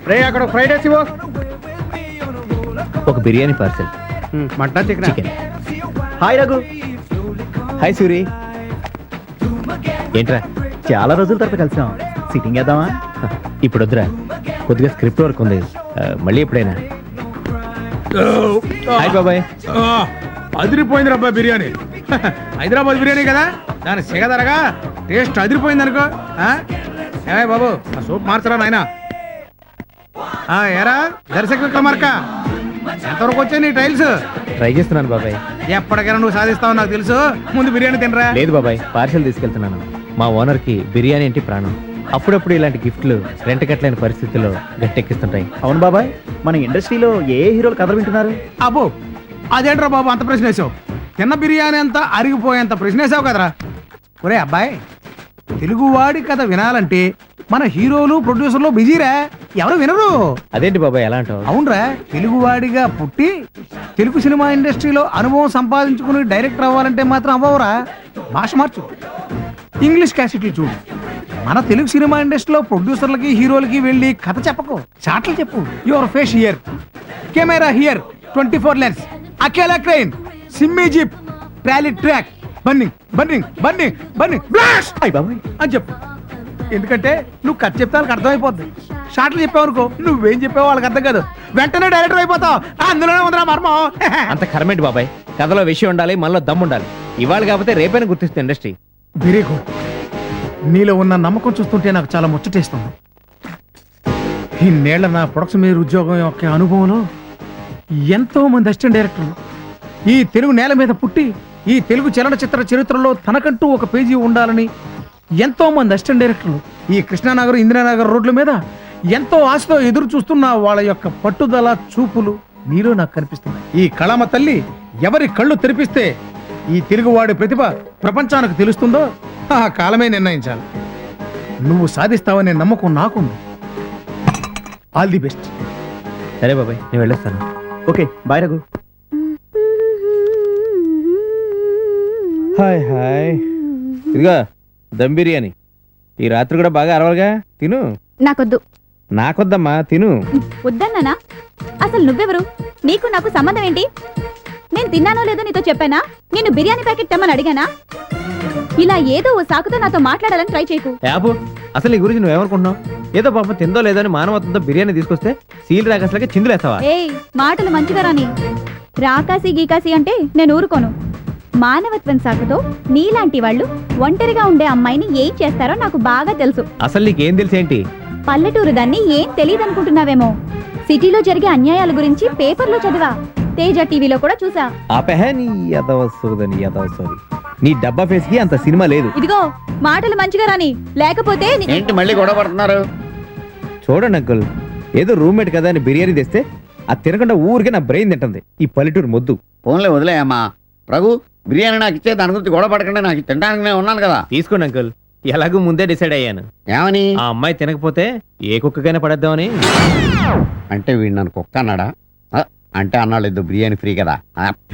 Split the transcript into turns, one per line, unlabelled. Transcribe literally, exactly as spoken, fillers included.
రే అక్కడ fried rice ఇవ్వు.
ఒక biryani parcel.
Mutton chicken
chicken. Hi Raghu. Hi Suri. ఏంట్రా
చాలా రోజుల తర్వాత కలిసాం, సిట్టింగ్ వేద్దామా?
ఇప్పుడు వద్దురా, కొద్దిగా స్క్రిప్ట్ వర్క్ ఉంది, మళ్ళీ ఎప్పుడైనా. హాయ్ బాబాయ్.
అదిరిపోయింది రబ్బా బిర్యానీ. హైదరాబాద్ బిర్యానీ కదా, దాని సెగదరగా టేస్ట్ అదిరిపోయింది అనుకో. ఏ బాబు ఆ సూప్ మార్చరా నాయనా. ఏరా దర్శక విక్రమార్క, ఎంతవరకు వచ్చాయి నీ టైల్స్?
ట్రై చేస్తున్నాను బాబాయ్.
ఎప్పటికైనా నువ్వు సాధిస్తావు నాకు తెలుసు, ముందు బిర్యానీ తినరా.
లేదు బాబాయ్, పార్సెల్ తీసుకెళ్తున్నాను. మా ఓనర్ కి బిర్యానీ అంటే ప్రాణం. అప్పుడప్పుడు ఇలాంటి గిఫ్ట్లు రెంట కట్టలేని పరిస్థితుల్లో గట్టెక్కిస్తుంటాయి.
అవును బాబాయ్, మన ఇండస్ట్రీలో ఏ హీరోలు కథలు వింటున్నారు?
అబ్బో అదేంట్రా బాబు అంత ప్రశ్న వేసావు? తిన్న బిర్యానీ అంతా అరిగిపోయేంత ప్రశ్న వేసావు కదరా. ఒరే అబ్బాయి, తెలుగువాడి కథ వినాలంటే మన హీరోలు ప్రొడ్యూసర్లు బిజీరా, ఎవరు వినరు.
అదేంటి బాబాయ్ ఎలా అంటావు?
అవునరా, తెలుగువాడిగా పుట్టి తెలుగు సినిమా ఇండస్ట్రీలో అనుభవం సంపాదించుకుని డైరెక్టర్ అవ్వాలంటే మాత్రం అవ్వవురా. భాష మార్చు, ఇంగ్లీష్ క్యాసెట్లు చూడు. మన తెలుగు సినిమా ఇండస్ట్రీలో ప్రొడ్యూసర్లకి హీరోలకి వెళ్ళి కథ చెప్పకు, చాట్లు చెప్పు. Your face here, camera here, twenty four lens, అకేలా క్రెయిన్, సిమ్మీ jeep, trolley track, burning burning burning burning blast
అయ్ బాబాయ్
అని చెప్పు. ఎందుకంటే నువ్వు కథ చెప్తే వాళ్ళకి అర్థమైపోద్ది. షార్ట్లు చెప్పావు అనుకో, నువ్వేం చెప్పావు వాళ్ళకి అర్థం కాదు, వెంటనే డైరెక్టర్ అయిపోతావు. అందులోనే ఉందిరా మర్మం.
అంత కరమేంటి బాబాయ్, కథలో విషయం ఉండాలి, మనలో దమ్ము ఉండాలి. ఇవాళ కాకపోతే రేపైనా గుర్తిస్తుంది ఇండస్ట్రీ.
Very good. నీలో ఉన్న నమ్మకం చూస్తుంటే నాకు చాలా ముచ్చటేస్తుంది. ఇన్నేళ్ల నా ప్రొడక్షన్ మీద ఉద్యోగం యొక్క అనుభవంలో ఎంతో మంది అసిస్టెంట్ డైరెక్టర్లు ఈ తెలుగు నేల మీద పుట్టి ఈ తెలుగు చలనచిత్ర చరిత్రలో తనకంటూ ఒక పేజీ ఉండాలని ఎంతో మంది అసిస్టెంట్ డైరెక్టర్లు ఈ కృష్ణానగర్ ఇందిరానగర్ రోడ్ల మీద ఎంతో ఆశతో ఎదురు చూస్తున్న వాళ్ళ యొక్క పట్టుదల చూపులు నీలో నాకు కనిపిస్తున్నాయి. ఈ కళమ తల్లి ఎవరి కళ్ళు తెరిపిస్తే ఈ తెలుగువాడి ప్రతిభ ప్రపంచానికి తెలుస్తుందో ఆ కాలమే నిర్ణయించాలి. నువ్వు సాధిస్తావనే నమ్మకం నాకుంది. All the best.
సరే బాబాయ్, నేను వెళ్ళొస్తాను.
Okay bye Raghu.
Hi hi. ఇదిగా దమ్ బిర్యానీ. ఈ రాత్రి కూడా బాగా అరవాలిగా, తిను.
నాకొద్దు.
నాకొద్దమ్మా, తిను.
వద్దన్నానా? అసలు నువ్వెవరు? నీకు నాకు సంబంధం ఏంటి? నేను తిన్నానో లేదో నీతో చెప్పానా? నేను బిర్యానీ ప్యాకెట్ తెమ్మని అడిగానా? ఇలా ఏదో ఓ సాకుతో నాతో మాట్లాడాలని ట్రై చేయకు.
యాబు, అసలు నీ గురించి నువ్వేమనుకుంటున్నావు? ఏదో పాపం తిందో లేదో అని మానవత్వంతో బిర్యానీ తీసుకొస్తే సీల్ రాకసలకి చిందులేస్తావా?
ఏయ్, మాటలు మంచిగా రాని. రాకాసి గీకాసి అంటే నేను ఊరుకోను. మానవత్వం సాకుతో నీలాంటి వాళ్ళు ఒంటరిగా ఉండే అమ్మాయిని ఏం చేస్తారో నాకు బాగా తెలుసు.
అసలు నీకేం తెలుసేంటి?
పల్లెటూరు దాన్ని ఏం తెలియదనుకుంటున్నావేమో. సిటీలో జరిగే అన్యాయాల గురించి పేపర్లో చదివా, తేజ టీవీలో కూడా చూసా.
ఆపహే నీ యదవసోదని యదవసోది. నీ డబ్బా ఫేస్ కి అంత సినిమా లేదు.
ఇదిగో మాటలు మంచిగా రాని, లేకపోతే
ఏంటి మళ్ళీ గొడవ పడుతున్నారు?
చూడండి అంకుల్, ఏదో రూమ్మేట్ కదా అని బిర్యానీ తెస్తే అది తినకుండా ఊరికే నా బ్రెయిన్ తింటుంది ఈ పల్లెటూరు మొద్దు.
ఫోన్లే వదిలేయమ్మా. రఘు, బిర్యానీ నాకు ఇచ్చే, దాని గురించి గొడవ పడకుండా నాకు తినడానికి నేను ఉన్నాను కదా.
తీసుకోండి అంకుల్, ఎలాగూ ముందే డిసైడ్ అయ్యాను.
ఏమని?
ఆ అమ్మాయి తినకపోతే ఏ కుక్కకైనా పడేద్దామని.
అంటే వీడు నన్ను కుక్క అన్నాడా? అంటే అన్నాడు బిర్యానీ ఫ్రీ కదా.